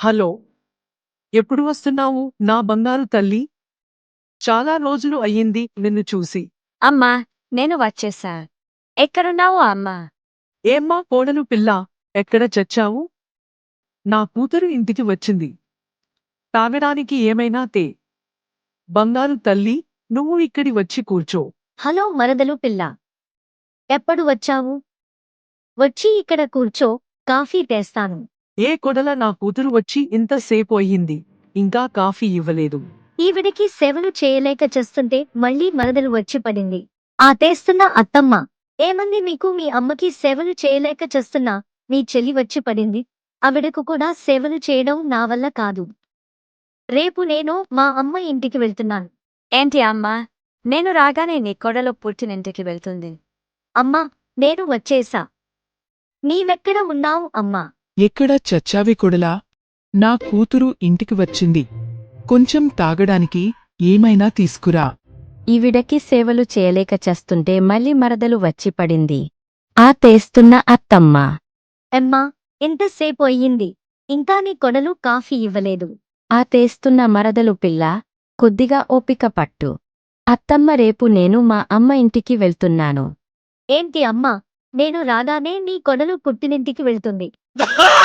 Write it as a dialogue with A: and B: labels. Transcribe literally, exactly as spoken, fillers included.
A: Hello! ఎప్పుడు వస్తున్నావు, నా బంగారు తల్లి? చాలా రోజులు అయ్యింది నిన్ను చూసి.
B: అమ్మా, నేను వచ్చేసా. ఎక్కడున్నావు అమ్మా?
A: ఏమ్మా కోడలు పిల్లా, ఎక్కడ చచ్చావు? నా కూతురు ఇంటికి వచ్చింది. తాగడానికి ఏమైనా తే. బంగారు తల్లి, నువ్వు ఇక్కడి వచ్చి కూర్చో.
B: హలో మరదలు పిల్ల. ఎప్పుడు వచ్చావు? వచ్చి ఇక్కడ కూర్చో, కాఫీ తెస్తాను.
A: ఏ కొడల నా కూతురు వచ్చి ఇంతసేపు అయ్యింది, ఇంకా కాఫీ ఇవ్వలేదు.
B: ఈవిడికి సేవలు చేయలేక చేస్తుంటే మళ్ళీ మరదలు వచ్చి పడింది. ఆ తెస్తున్న అత్తమ్మ. ఏమంది మీకు మీ అమ్మకి సేవలు చేయలేక చేస్తున్నా, మీ చెల్లి వచ్చి పడింది. ఆవిడకు కూడా సేవలు చేయడం నా వల్ల కాదు. రేపు నేను మా అమ్మ ఇంటికి వెళ్తున్నాను. ఏంటి అమ్మా? నేను రాగానే నీ కొడలు పుట్టినింటికి వెళ్తుంది. అమ్మా, నేను వచ్చేసా. నీవెక్కడ ఉన్నావు అమ్మా?
C: ఎక్కడ చచ్చావే కొడలా? నా కూతురు ఇంటికి వచ్చింది. కొంచెం తాగడానికి ఏమైనా తీసుకురా.
D: ఈవిడకి సేవలు చేయలేక చస్తుంటే మళ్ళీ మరదలు వచ్చి పడింది. ఆ తెస్తున్న అత్తమ్మ.
B: ఎమ్మా, ఎంతసేపు అయ్యింది, ఇంకా నీ కొడలు కాఫీ ఇవ్వలేదు.
D: ఆ తెస్తున్న మరదలు పిల్ల, కొద్దిగా ఓపిక పట్టు. అత్తమ్మ రేపు నేను మా అమ్మ ఇంటికి వెళ్తున్నాను.
B: ఏంటి అమ్మా, నేను రాగానే నీ కొడలు పుట్టినింటికి వెళ్తుంది.